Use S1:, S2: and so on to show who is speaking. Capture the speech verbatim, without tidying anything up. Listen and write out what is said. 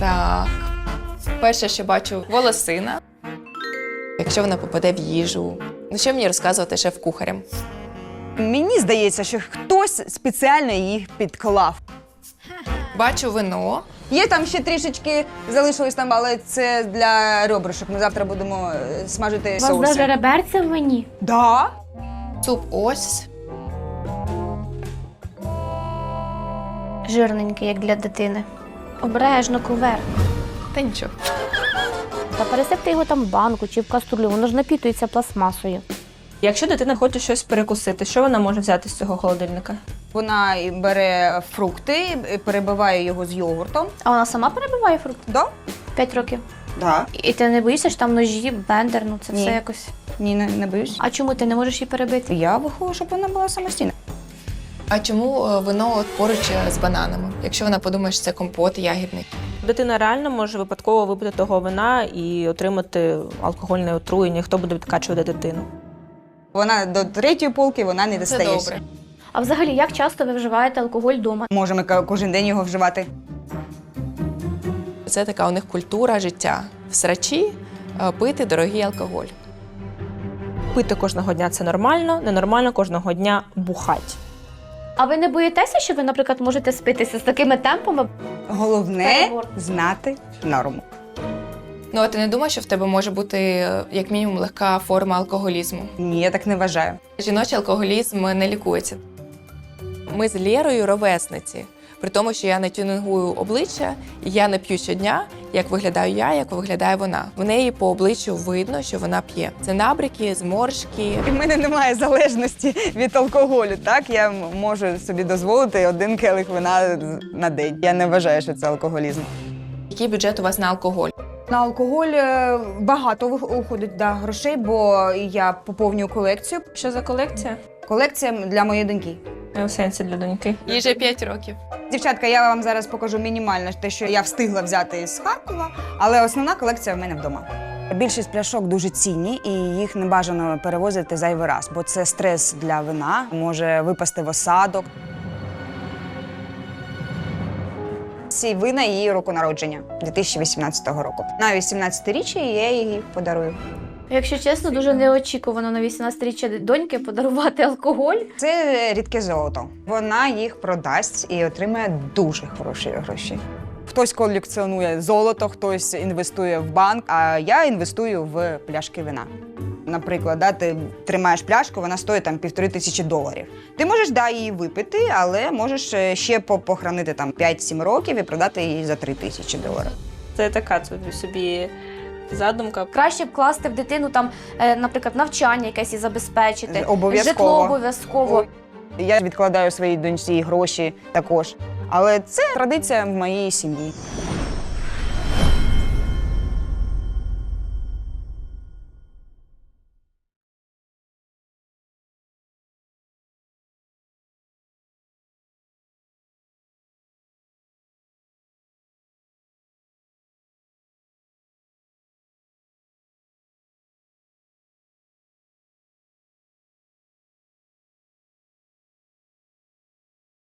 S1: Так. Перше, що бачу, волосина. Якщо вона попаде в їжу. Ну, що мені розказувати шеф-кухарям?
S2: Мені здається, що хтось спеціально їх підклав.
S1: Бачу вино.
S2: Є там ще трішечки, залишилось там, але це для ребрышок. Ми завтра будемо е, смажити
S3: У вас
S2: соуси.
S3: навіть реберця в мені?
S2: Да?
S1: Суп ось.
S3: Жирненький, як для дитини. Обережно кувер.
S1: Та нічого.
S3: Та пересипте його там в банку чи в каструлю, воно ж напітується пластмасою.
S4: Якщо дитина хоче щось перекусити, що вона може взяти з цього холодильника?
S2: Вона і бере фрукти, і перебиває його з йогуртом.
S3: А вона сама перебиває фрукти?
S2: Да?
S3: П'ять років.
S2: Да.
S3: І ти не боїшся, що там ножі, блендер, ну це
S2: Ні.
S3: все якось.
S2: Ні, не, не боюсь.
S3: А чому ти не можеш її перебити?
S2: Я виховую, щоб вона була самостійна.
S1: А чому е, вино от поруч з бананами? Якщо вона подумає, що це компот ягідний.
S4: Дитина реально може випадково випити того вина і отримати алкогольне отруєння. Хто буде відкачувати дитину?
S2: Вона до третьої полки вона не
S1: Це
S2: достає.
S1: добре.
S3: А взагалі, як часто ви вживаєте алкоголь вдома?
S2: Можемо ка- кожен день його вживати.
S1: Це така у них культура життя. В срачі е, пити дорогий алкоголь.
S4: Пити кожного дня – це нормально, ненормально кожного дня бухать.
S3: А ви не боїтеся, що ви, наприклад, можете спитися з такими темпами?
S2: Головне
S3: Перебор.
S2: знати норму.
S1: Ну, а ти не думаєш, що в тебе може бути, е, як мінімум, легка форма алкоголізму?
S2: Ні, я так не вважаю.
S1: Жіночий алкоголізм не лікується. Ми з Лєрою ровесниці. При тому, що я не тюнингую обличчя, і я не п'ю щодня, як виглядаю я, як виглядає вона. В неї по обличчю видно, що вона п'є. Це набряки, зморшки.
S2: У мене немає залежності від алкоголю. Так, я м- можу собі дозволити один келих вина на день. Я не вважаю, що це алкоголізм.
S1: Який бюджет у вас на алкоголь?
S2: На алкоголь е, багато вих- уходить да, грошей, бо я поповнюю колекцію.
S4: Що за колекція?
S2: Колекція для моєї доньки.
S4: У сенсі для доньки.
S1: Їй вже п'ять років.
S2: Дівчатка, я вам зараз покажу мінімально те, що я встигла взяти з Харкова, але основна колекція в мене вдома. Більшість пляшок дуже цінні і їх не бажано перевозити зайвий раз, бо це стрес для вина, може випасти в осадок. Ці вина її року народження, дві тисячі вісімнадцятого року. На вісімнадцятиріччя я її подарую.
S3: Якщо чесно, дуже неочікувано на вісімнадцятиріччя доньки подарувати алкоголь.
S2: Це рідке золото. Вона їх продасть і отримає дуже хороші гроші. Хтось колекціонує золото, хтось інвестує в банк, а я інвестую в пляшки вина. Наприклад, да, ти тримаєш пляшку, вона стоїть там півтори тисячі доларів. Ти можеш да, її випити, але можеш е, ще по- похоронити там п'ять-сім років і продати її за три тисячі доларів.
S4: Це така собі задумка.
S3: Краще б класти в дитину там, е, наприклад, навчання якесь і забезпечити.
S2: Обов'язково.
S3: Житло обов'язково.
S2: Я відкладаю своїй доньці гроші також. Але це традиція в моїй сім'ї.